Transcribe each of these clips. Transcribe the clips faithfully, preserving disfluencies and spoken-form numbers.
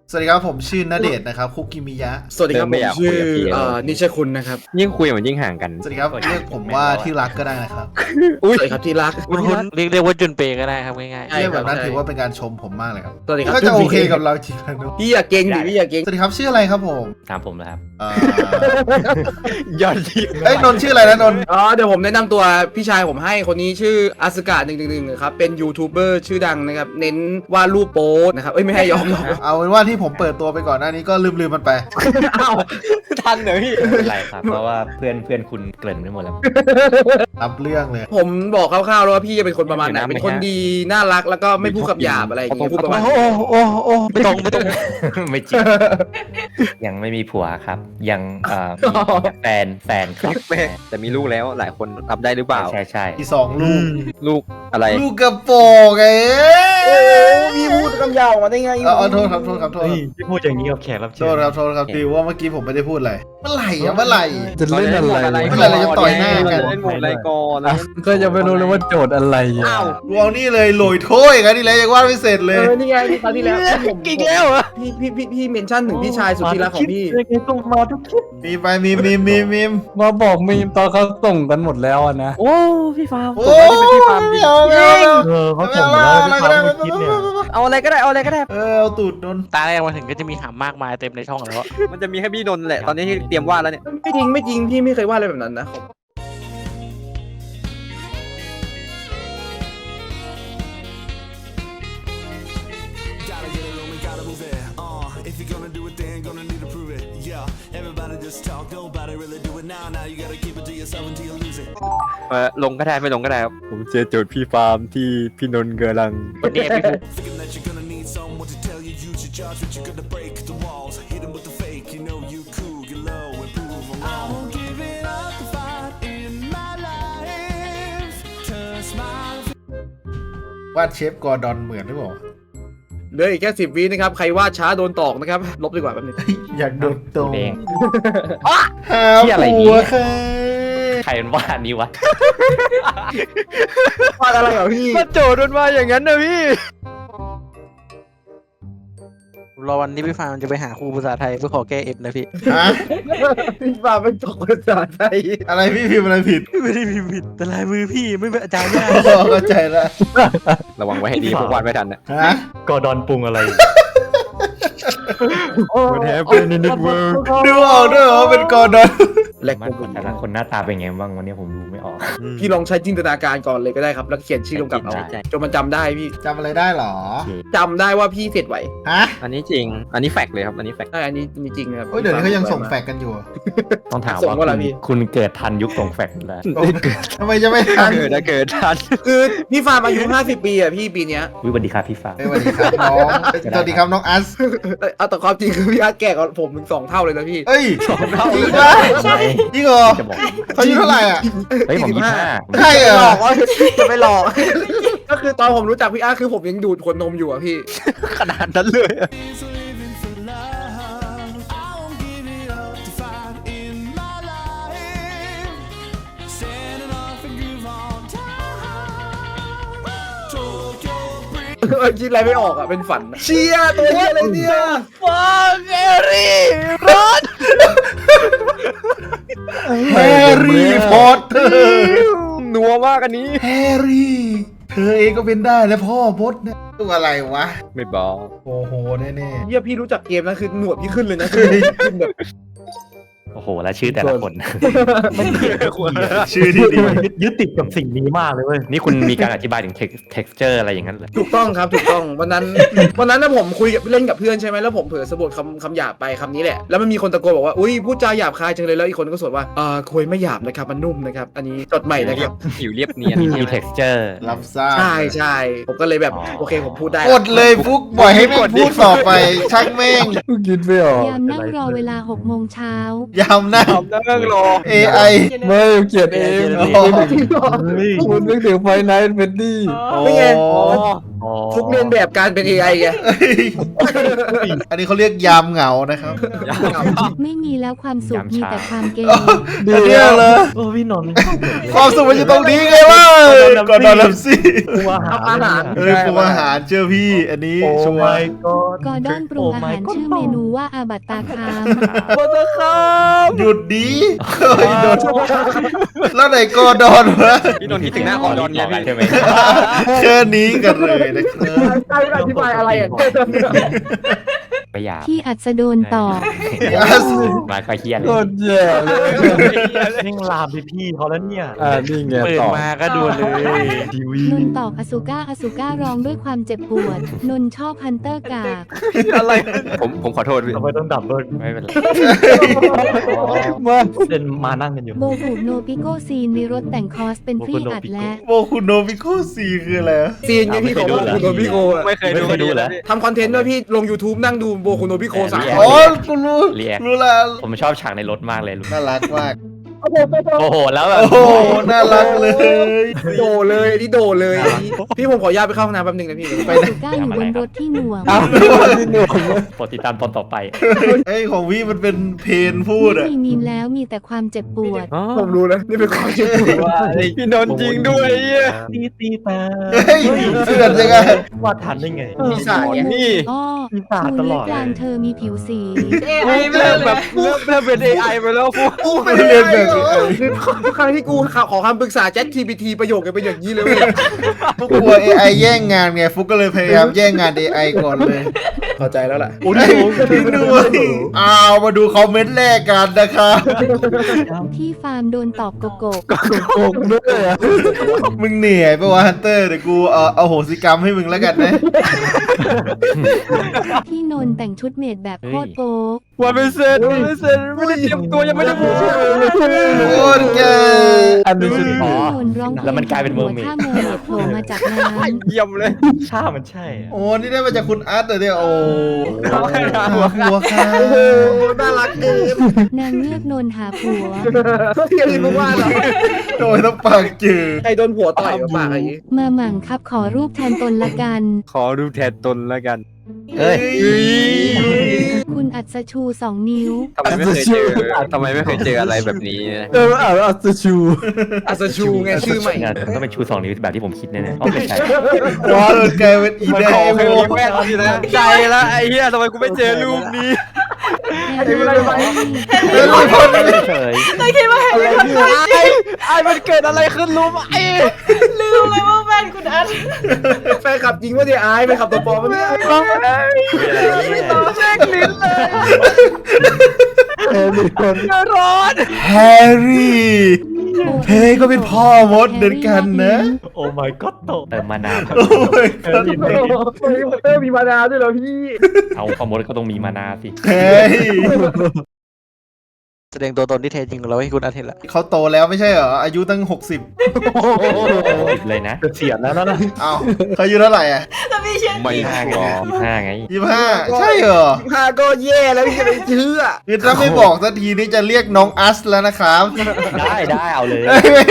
สวัสดีครับผมชื่อณเดชน์นะครับคุกิมิยะสวัสดีครับผมชื่อนิชคุณนะครับยิ่งคุยมันยิ่งห่างกันสวัสดีครับเรียกผมว่าที่รักก็ได้นะครับสวัสดีครับที่รักคุณคุณเรียกเรียกว่าจุนเปย์ก็ได้ครับง่ายเรียกแบบนั้นถือว่าเป็นการชมผมมากเลยครับสวัสดีครับก็จะโอเคกับเราจริงๆนะพี่อย่าเก่งดิพี่อย่าเก่งสวัสดีครับชื่ออะไรครับผมตามผมแล้วครับอ่ายอดทีเอ้ยนนท์ชื่ออะไรนะนนท์อ๋อเดี๋ยวผมแนะนำตัวพี่ชายผมให้คนนี้ชื่ออาสกาหนึ่งหนึ่งหนึ่งครับเป็นยูทูบเบอร์ชื่อดังนะครับเน้นวาดรูปโป๊นะครับเอ้ยไม่ให้ยอมยอมเอาเป็นว่าที่ผมเปิดตัวไปก่อนหน้านี้ก็ลืมลืมๆมันไปอ้าวทันเหรอพี่ไม่เป็นไรครับ เพราะว่าเพื่อนเพื่อนคุณเกริ่นไปหมดแล้วรับเรื่องเลยผมบอกคร่าวๆแล้วว่าพี่จะเป็นคนประมาณไหนไม่นะเป็นคนดีน่ารักแล้วก็ไม่พูดคำหยาบอะไรอย่างเงี้ยพูดประมาณๆ โอ้โอ้โอ้โอ้ไม่ตรงไม่ตรงไม่จริง ยังไม่มีผัวครับ ยังเอ่อมีแฟนแฟนครับแต่มีลูกแล้วหลายคนรับได้หรือเปล่าใช่ใช่อีสองลูกลูกอะไรลูกกระโปรงไงโอ้พี่พูดคำหยาบออกมาได้ไงเอาเอาโทษครับโทษครับโทษเฮ้ยพี่พูดอย่างนี้กับแขกรับโทเชิญษครับโทษครับดีว่าเมื่อกี้ผมไม่ได้พูดอะไรเมื่อไหร่อะเมื่อไหร่จะเล่นอะไรเมื่อไหร่เราจะต่อยหน้ากันเล่นหมดอะไรก่อนนะก็ยังไม่รู้เลยว่าโจทย์อะไรอ่ะอ้าวรวงนี่เลยโหลยโถ้ยกันนี่เลยยังวาดไม่เสร็จเลเอย อนี่ไงตอนที่แล้วผมอีกแล้วเหรอพี่พี่พี่พี่เมนชั่นถึงพี่ชายสุดที่รักของพี่ยังไงต้องมาทุกคลิปมีไปมีมีมีมีมาบอกมีมตอนเขาส่งกันหมดแล้วอะนะโอ้พี่ฟาร์มโอ้ยไม่เอาไม่เอาไม่เอาเออเขาส่งมาแล้วที่เขาไม่คิดเนี่ยเอาอะไรก็ได้เอาอะไรก็ได้เออเอาตูดนนตาแรกมาถึงก็จะมีหามากมายเต็มในช่องแล้วมันจะมีแค่พี่นนท์แหละตอนนี้ที่เตรียมวาดแล้วเนี่ยไม่จริงไม่จริงพี่ไม่เคยวาดอะไรแบบนั้นนะ Gotta get it on, we gotta move it. Uh, if you're gonna do it, then gonna need to prove it. Yeah, everybody just talk, nobody really do it now. Now you gotta keep it to yourself until you lose it. เออลงก็ได้ไม่ลงก็ได้ครับผมเจอโจทย์พี่ฟาร์มที่พี่นนท์กำลังวันนี้พี่ฟุก Thinking that you're gonna need someone to tell you, use your judge, but you're gonna break the walls. Hit 'em with the fake, you know you cool, get low and prove 'em wrong. I won't give it up the fight in my life. To smile. วาดเชฟกอร์ดอนเหมือนหรือเปล่าเหลืออีกแค่สิบวินะครับใครวาดช้าโดนตอกนะครับลบดีกว่าแป๊บนึงอยากโดนตรงเองหาที่อะไรผัเนี่วย ค่ะใครเป็นวาดนี้วะวาดอะไรเหรอพี่มาโจทย์มันมาอย่างนั้นนะพี่รอวันนี้พี่ฟาร์มจะไปหาครูภาษาไทยเพื่อขอแก้เอฟนะพี่ฮะพี่ฟ้าไม่ตกภาษาไทยอะไรพี่พิมพ์อะไรผิดไม่ได้พิมพ์ผิดแต่ลายมือพี่ไม่เป็นอาจารย์ยากอ๋อเข้าใจละระวังไว้ให้ดีพวกวาดไม่ทันนะฮะกอดอนปรุงอะไร What happened in this world ดูออกด้วยเหรอว่าเป็นกอร์ดอนแหลกมันคนแต่ละคนหน้าตาเป็นไงบ้างวันนี้ผมดูไม่ออกพี่ลองใช้จินตนาการก่อนเลยก็ได้ครับแล้วเขียนชื่อลงกับเอาใช่ใช่จนมันจำได้พี่จำอะไรได้เหรอจำได้ว่าพี่เสร็จไหวฮะอันนี้จริง อันนี้แฟกเลยครับ อันนี้แฟกใช่อันนี้มีจริงนะครับโอ้ยเดี๋ยวนี้เขายังส่งแฟกกันอยู่อะต้องถามส่งว่าว่าอะไรคุณพี่คุณเกิดทันยุคส่งแฟกซ์แล้วทำไมจะไม่ทันเกิดนะเกิดทันคือพี่ฟาร์มอายุห้าสิบปีอ่ะพี่ปีเนี้ยวิสวัสดีครับพี่ฟ้าเอ้ยสวัสดีครับน้องสวัสดีครับน้องอัสเอาแต่ความจริงคือพี่อาร์ตแก่กว่าผมถึงสองเท่าเลยนะพี่เอ้ยจริงปะใช่จริงเหรอจะบอกเขาอายุเท่าไหร่อ่ะเฮ้ยผมยี่สิบห้าใช่เหรหลออกว่าจะไม่หลอก ก็คือตอนผมรู้จักพี่อาร์ตคือผมยังดูดขวดนมอยู่อ่ะพี่ขนาดนั้นเลยอะ Is living for love. I won't give it up to fight in my life. Standing off and groove on time. Tokyo bridge. คิดอะไรไม่ออกอ่ะเป็นฝันเชียร์ตัวอะไรเนี่ยฟังเอรี่ร้อนแฮร์รี่พอตเตอร์นัวมากอันนี้แฮร์รี่ เธอเองก็เป็นได้แล้วพ่อพดเนี่ยตัวอะไรวะไม่บอกโอ้โหแน่เฮียพี่รู้จักเกมนะคือหนวดพี่ขึ้นเลยนะคือขึ้นแบบโอ้โห แล้วชื่อแต่ละคนๆชื่อที่ดียึดติดกับสิ่งนี้มากเลยเว้ยนี่คุณมีการอธิบายถึง texture อะไรอย่างนั้นเหรอถูกต้องครับถูกต้องวันนั้นวันนั้นนะผมคุยกับเล่นกับเพื่อนใช่ไหมแล้วผมเผลอสะบัดคำคำหยาบไปคำนี้แหละแล้วมันมีคนตะโกนบอกว่าอุ้ยพูดจาหยาบคายจังเลยแล้วอีกคนก็สวดว่าอ่าคุยไม่หยาบนะครับมันนุ่มนะครับอันนี้จดใหม่นะครับผิวเรียบเนียนมี texture รับทราบใช่ใช่ผมก็เลยแบบอ๋อโอเคผมพูดได้กดเลยฟุกปล่อยให้แม่งพูดต่อไปช่างแม่งกูคิดไม่ออกยามนั่งรอเวลาหกโมงเช้ายามหน้านั่งรอเอไอไม่เกลียดเองโอ้คุณนึกถึงไฟไนท์เฟดดี้ไม่ไงอ๋ออ๋อฟุกเรียนแบบการเป็น เอ ไอ ไงอันนี้เขาเรียกยามเหงานะครับไม่มีแล้วความสุขยามมีเช้าแต่ความเกย์อันเนี้ยเลยเออพี่นนท์ความสุขมันอยู่ตรงนี้ไงวะก่อนนอนลำซี่ปรุงอาหารอาหารเฮ้ยปรุงอาหารเชื่อพี่ อันนี้โอ้ชัวไม่ร์ก็กอร์ดอนปรุงอาหารชื่อเมนูว่าอาบัตตาคามบัตคามหยุดดีเฮ้ยโดนแล้วไหนกอดอนวะพี่นนท์คิดถึงหน้าก่อนนอนไงพี่ใช่ไหมแค่นี้กันเลยนะครับใครอธิบายอะไรอ่ะไม่อยากที่อัศดนต่อมาก็เฮียเลยโคตรแย่เลยแม่งลามพี่พี่เขาแล้วเนี่ยอ่านี่ไงเปิดต่อมาก็ดูเลยทีวีนนตอกอสุก้าอสุก้าร้องด้วยความเจ็บปวด นนชอบฮันเตอร์กากอะไรผมผมขอโทษพี่ทำไมต้องดับด้วยไม่เป็นไรมาเล่นมานั่งกันอยู่โบกุโนปิโกซีนมีรถแต่งคอสเป็นพรีอัดและโมคุโนมิโคซีคืออะไรวะซีนไงพี่ของโบคุโนบิโกอะไม่เคยดูไม่เคยดูเหรอทำคอนเทนต์ด้วยพี่ลง YouTube นั่งดูโบคุโนบิโกสามอ๋อกูรู้รู้แล้วผมชอบฉากในรถมากเลยลูกน่ารักมากโอ้โหแล้วแบบโอ้โหน่ารักเลยโดเลยอันนี้โดเลยอันนี้พี่ผมขออนุญาตไปเข้าห้องน้ำแป๊บนึงนะพี่ไปอไหนสุก้าอยู่บนรถที่หน่วงอ้าวพี่หนุ่มโปรดติดตามตอนต่อไปไอ้ยของพี่มันเป็นเพลงพูดไม่อะมีมีมแล้วมีแต่ความเจ็บปวดผมรู้นะนี่เป็นความจริงพี่นนท์จริงด้วยเหี้ยตีตีแต่เฮ้ยเสื่อนยังไงว่าทันได้ไงปีศาจไงนี่อ้อปีศาจคูตเล็ลกอดกลางเธอมีผิวสีเริ่มแบบเริ่มเริ่มเป็น เอ ไอ ไปแล้วฟุกกูเป็นเรียนแบบคือทุกครั้งที่กูขอคำปรึกษา Chat จี พี ที ประโยคกันเป็นอย่างนี้เลยเว้ยฟุกกลัว เอ ไอ แย่งงานไง ฟุกก็เลยพยายามแย่งงาน เอ ไอ ก่อนเลยเข้าใจแล้วล่ะโอ้ยพี่ด้วยอ้าวมาดูคอมเมนต์แรกกันนะครับที่ฟาร์มโดนตอบโกโกกโกงด้วยอ่ะมึงเหนื่อยปะวะฮันเตอร์เดี๋ยวกูเออเอาโหสิกรรมให้มึงแล้วกันนะที่นนแต่งชุดเมดแบบโคตรโป๊กวันไม่เสร็จวันไม่เสร็จไม่ได้เตรียมตัวยังไม่ได้พูดโคตรแกอันนี้ชุดอ๋อที่นนร้องเพลงแล้วมันกลายเป็นเมอร์เมดถ้าเมอร์เมดโผล่มาจากน้ำเยี่ยมเลยชามันใช่อะโอ้นี่ได้มาจากคุณอาร์ตเลยเนี่ยโอ้ทำไมนะหัวหัวค่ะโอ้โหน่ารักเกินนางเงือกนนหาผัวอย่าลืมว่าเหรอโดยต้องปากจืดใครโดนผัวต่อยมาปากอย่างนี้มาหมั่งครับขอรูปแทนตนละกันขอรูปแทนตนแล้วกันเอ้ยคุณอัศชูสองนิ้วทำไมไม่เคยเจอทำไมไม่เคยเจออะไรแบบนี้นะเอออ่านอัศชูอัศชูไงชื่อใหม่งานต้องเป็นชูสองนิ้วแบบที่ผมคิดแน่ๆอ๋อไม่ใช่วอนกลายเป็นอีแดขอแค่งรีแม่ทีนะใจละไอ้เหี้ยทำไมกูไม่เจอรูปนี้แฮร์รี่อะไรวะเฮ้ยคนเฉยไอ้ไอ้มันเกิดอะไรขึ้นรู้ไหมลืมเลยว่าแฟนคุณอันแฟนขับจริงว่าเดี๋ยวอายไปขับตัวปลอมมันเนี่ยแจ้งลิ้นเลยเออมีคนร้อนแฮร์รี่ เพก็เป็นพ่อมดเหมือนกันนะโอ้ my god โตเติมมานานโอ้ยเออมีเพลงเออมีมานาวด้วยเหรอพี่เอาคอมมดก็ต้องมีมานาสิเฮ้ยแสดงตัวตนที่แท้จริงของเราให้คุณอาเทนละเขาโตแล้วไม่ใช่เหรอ อายุตั้งหกสิบสิบเลยนะเสียดแล้วนะเอ้าเขาอายุเท่าไหร่อ่ะแต่พี่เชื่อไม่ห้าไงยี่ห้าไงยี่สิบห้าใช่เหรอพาก็แย่แล้วพี่จะไปเชื่อคือถ้าไม่บอกสักทีนี้จะเรียกน้องอัสแล้วนะครับได้ได้เอาเลยไม่ไม่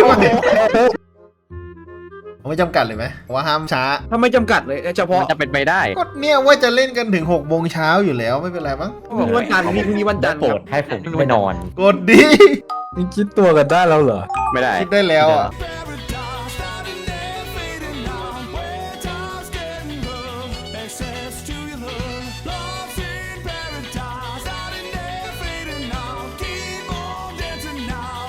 ไม่ไม่จำกัดเลยไหมว่าห้ามช้าถ้าไม่จำกัดเลยเฉพาะมันจะเป็นไปได้ก็เนี่ยว่าจะเล่นกันถึงหกโมงเช้าอยู่แล้วไม่เป็นไรมั้งวันจันทร์พี่พรุ่งนี้วันจันทร์โปรครัดบให้ผมไปนอนกดดีนี่คิดตัวกันได้แล้วเหรอไม่ได้คิดได้แล้วอ่ะ Paradise, starting there, fading now. Where time's getting rough, access to your love. Lost in paradise, starting there, fading now. Keep on dancing now.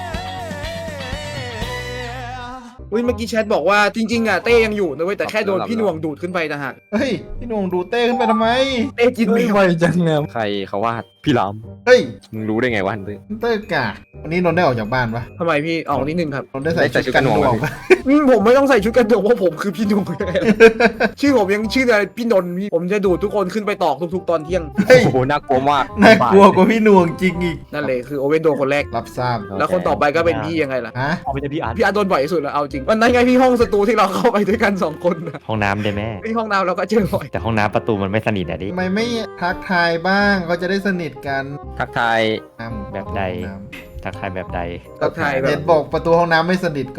Hey. อุ้ยเมื่อกี้แชทบอกว่าจริงๆอ่ะเต้ยังอยู่นะเว้ยแต่แค่โดนพี่หน่วงดูดขึ้นไปนะฮะเฮ้ย พี่หนุ่งดูเต้ขึ้นไปทำไมเต้กินไม่ไม่ไหวจังเนี่ยใครเขาวาดพี่ลามเฮ้ยมึงรู้ได้ไงวะฮันเตอร์เต้กากวันนี้นนท์ได้ออกจากบ้านปะทำไมพี่ออกนิดนึงครับนนท์ได้ใส่ได้ใส่ชุดกันหน่วงชุดกันหน่วงปะอืมผมไม่ต้องใส่ชุดกันหน่วงเพราะผมคือพี่หนุ่ม ชื่อผมยังชื่ออะไรพี่นนท์พี่ผมจะดูดทุกคนขึ้นไปตอกทุกๆตอนเที่ยงเฮ้ยโอ้โหน่ากลัวมากน่ากลัวกว่าพี่หน่วงจริงอีกนั่นเลยคือโอเว่นโดนคนแรกรับทราบแล้วคนต่อไปก็เป็นพี่ยังไงล่ะฮะเอาไปจะพี่อาร์ตพี่อาร์ตโดนบ่อยที่สุดแล้วเอาจริงวันนั้นไงพี่ห้องสตูที่เราเข้าไปด้วยกันสองคนน่ะห้องน้ำได้แม่พี่ห้องน้ำเราก็เจอบ่อยแต่ห้องน้ำประตูมันไม่สนิทอะดิทำไมไม่ทักทายบ้างเขาจะได้สนิทกันทักทายอ้ำแบบใด ทักทายแบบใดทักทายแบเห็บนบอกประตูห้องน้ำไม่สนิทก็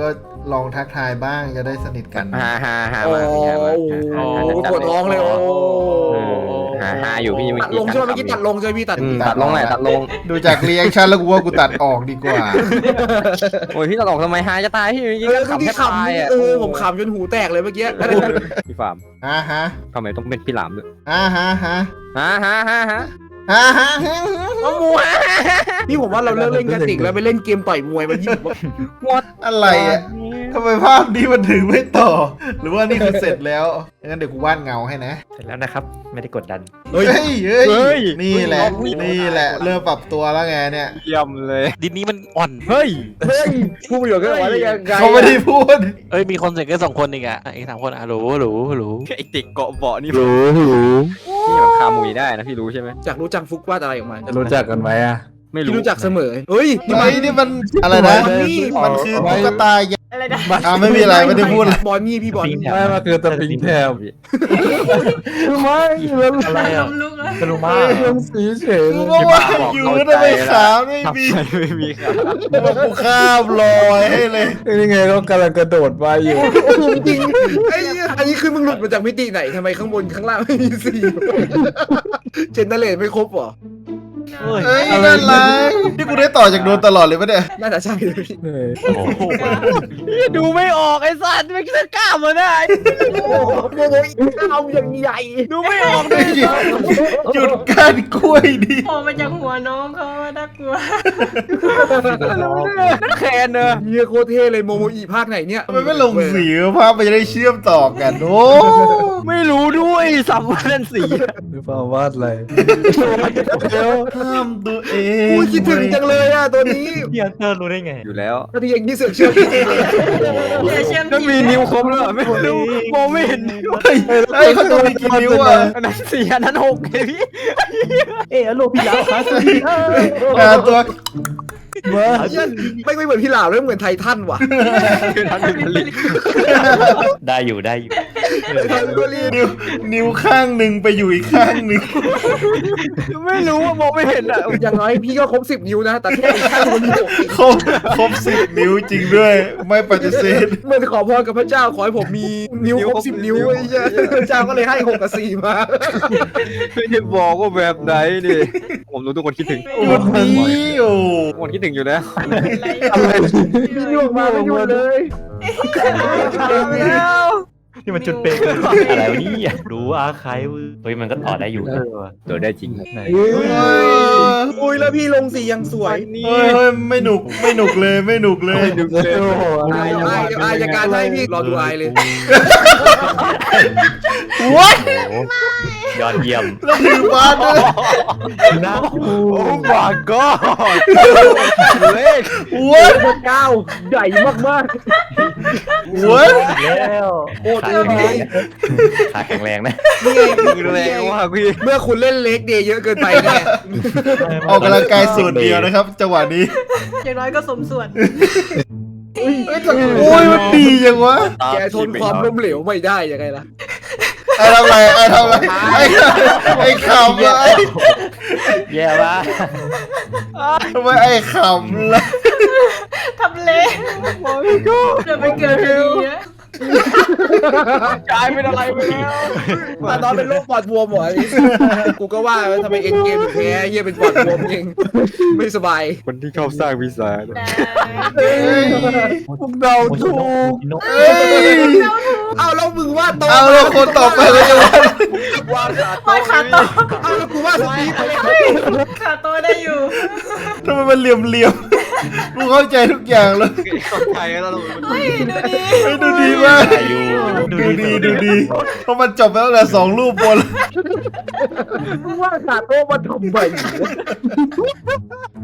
ลองทักทายบ้างจะได้สนิทกันฮ่าฮ่าฮ่าโอ้มาพี่ฮามาโหปวดท้องเลยโอ้ฮ่าฮ่าอยู่พี่เมื่อตัดกี้ลงใช่ไหมเมื่อกี้ตัดลงใช่ไหมพี่ตัดอืมตัดลงแหละตัดลงดูจากรีแอคชั่นแล้วกูว่ากูตัดออกดีกว่าโอ้ยพี่ตัดออกทำไมฮาจะตายพี่เมื่อกี้เอก็อขำที่แทบตายขำอ่ะเออผมขำจนหูแตกเลยเมื่อกี้พี่ฟาร์มอ่าฮะทำไมต้องเป็นพี่หลามด้วยอ่าฮะฮะฮ่าฮ่าฮ่าฮ่าฮ่าฮ่าฮ่าเอาหมูฮะนี่ผมว่าเราเลิกเล่นกันติกแล้วไปเล่นเกมต่อยมวยมันยิ่งอะไรอ่ะทำไมภาพนี้มันถึงไม่ต่อ หรือว่านี่คือเสร็จแล้วงั้นเดี๋ยวกูวาดเงาให้นะเสร็จแล้วนะครับไม่ได้กดดันเฮ้ยเฮ้ยเฮ้ยเฮ้ยนี่แหละ นี่แหละ เริ่มปรับตัวแล้วไงเนี่ยเยี่ยมเลยดินนี้มันอ่อนเฮ้ยเฮ้ยพูดประโยชน์กันไว้ได้ยังไงเขาไม่ได้พูดเอ้ยมีคนเสร็จแค่สองคนเองอะอีกสามคนอะหรูหรูหรูไอติกเกาะเบาะนี่หรูหรูพี่แบบคามุยได้นะพี่รู้ใช่ไหมจากรู้จักฟุกวาดอะไรออกมารู้จักกันไหมอ่ะไม่พี่รู้รู้จักเสมอเฮ้ยนี่ไอ้มันนี่มันอะไรนะบอนนี่มันคือตุ๊กตายักษ์อะไรนะอ่าไม่มีอะไรไม่ได้พูดเลยบอนนี่พี่บอนนี่ไม่มาคือตะปิงแทบไม่แล้วอะไรลอ่ะมลุกแล้วกระดูมาเรื่องสีเฉยกูก็ว่าอยู่ทำไมขาวไม่มีไม่มีครับบอกกูข้ามลอยให้เลยนี่ไงก็กำลังกระโดดมาอยู่จริงไอ้เนี่ยอันนี้คือมึงหลุดมาจากมิติไหนทำไมข้างบนข้างล่างไม่มีสีเจนเนอเรตไม่ครบเหรอเฮ้ยเฮ้ยน่ารักนี่กูได้ต่อจากโดนตลอดเลยปะเนี่ยน่าจะใช่เลยพี่ดูไม่ออกไอ้สัตว์ไม่คิดกล้ามาได้โอ้โหโอ้โหข้าวอย่างใหญ่ดูไม่ออกเลยหยุดการกล้วยดิโผล่มาจากหัวน้องเขาอะน่ากลัวนั่นแคนเนอะเฮียโคตรเท่เลยโมโมอีภาคไหนเนี่ยทำไมไม่ลงสีภาพมันจะได้เชื่อมต่อกันโอ้ไม่รู้ด้วยสับวันนั้นสีหรือเปล่าวาดอะไรห้ามตัวเองกูคิดถึงจังเลยอ่ะตัวนี้พี่อันเตอร์รู้ได้ไงอยู่แล้วถ้าที่ยังที่เสือกเชื่อมอย่าเชื่อมนั่นมีนิ้วครบแล้วไม่รู้มองไม่เห็นนิ้วเฮ้ยเฮ้ยเขาต้องมีกี่นิ้วอ่ะอันนั้นสี่อันนั้นหกไงพี่เออโลพี่ยาวครับอ่าตัวมาไม่ไม่เหมือนพี่หลาวเลยเหมือนไททันว่ะคือนั้นเป็นผลิตได้อยู่ได้อยู่ไททันก็รีบนิ้วนิ้วข้างหนึ่งไปอยู่อีกข้างหนึ่งไม่รู้ว่ามองไม่เห็นอ่ะอย่างน้อยพี่ก็ครบสิบนิ้วนะ แต่แค่อีกข้างมันมีหกครบครบสิบนิ้วจริงด้วย ไม่ปฏิเสธเหมื่อนขอพรกับพระเจ้าขอให้ผมมีนิ้วครบสิบนิ้วไอ้เหี้ยพระเจ้าก็เลยให้หกกับสี่มาไม่ได้บอกว่าแบบไหนดิผมรู้ทุกคนคิดถึงหยุดนี้โอ้ทุกคนคิดถึงอยู่แล้วอะไรพี่นิ้วออกมาไม่หยุดเลยนี่มันจุดเปกอะไรวะนี่รู้อาคายเฮ้ยมันก็ต่อได้อยู่โดนได้จริงไหนอุ้ยแล้วพี่ลงสียังสวยเฮ้ยเฮ้ยไม่หนุกไม่หนุกเลยไม่หนุกเลยโอ้โหอะไรอายอายอายจากการให้พี่รอดูอายเลยวัดยอดเยี่ยมแล้วถือบาสด้วยนะโอ้บาก็เลขวัดพระเจ้าใหญ่มากวัดแล้วๆโคตรดีขาแข็งแรงนะนี่ไงแรงมากพี่เมื่อคุณเล่นเล็กเดย์เยอะเกินไปแน่ออกกำลังกายส่วนเดียวนะครับ จังหวะนี้อย่างน้อยก็สมส่วนโอ้ยมันดีจังวะแกทนความล้มเหลวไม่ได้ยังไงล่ะไอ้ทำไรไอ้ทำไรไอ้ไอ้ขำละไอ้แย่ว่ะทำไมไอ้ขำละทำเละเดี๋ยวไปเกิดคดีนะกลายเป็นอะไรไปแล้วตอนนั้นเป็นโรคปอดบวมเหรอกูก็ว่าทำไมเอ็นเกมแพ้เยี่ยเป็นปอดบวมเองไม่สบายคนที่เข้าสร้างวิสาพวกเราถูกเอ้ยเอาแล้วมึงว่าโตเอาแล้วคนต่อไปเราจะวาดว่าวาดขาโตเอาแล้วกูว่าสตีฟไปเลยขาโตได้อยู่ทำไมมันเหลี่ยมเหลี่ยมๆกูเข้าใจทุกอย่างเลยเข้าใจแล้วเฮ้ยดูดิเฮ้ยดูดีมากดูดีดูดีเพราะมันจบไปแล้วแหละสองรูปบนมึงว่าขาโตมาทำไม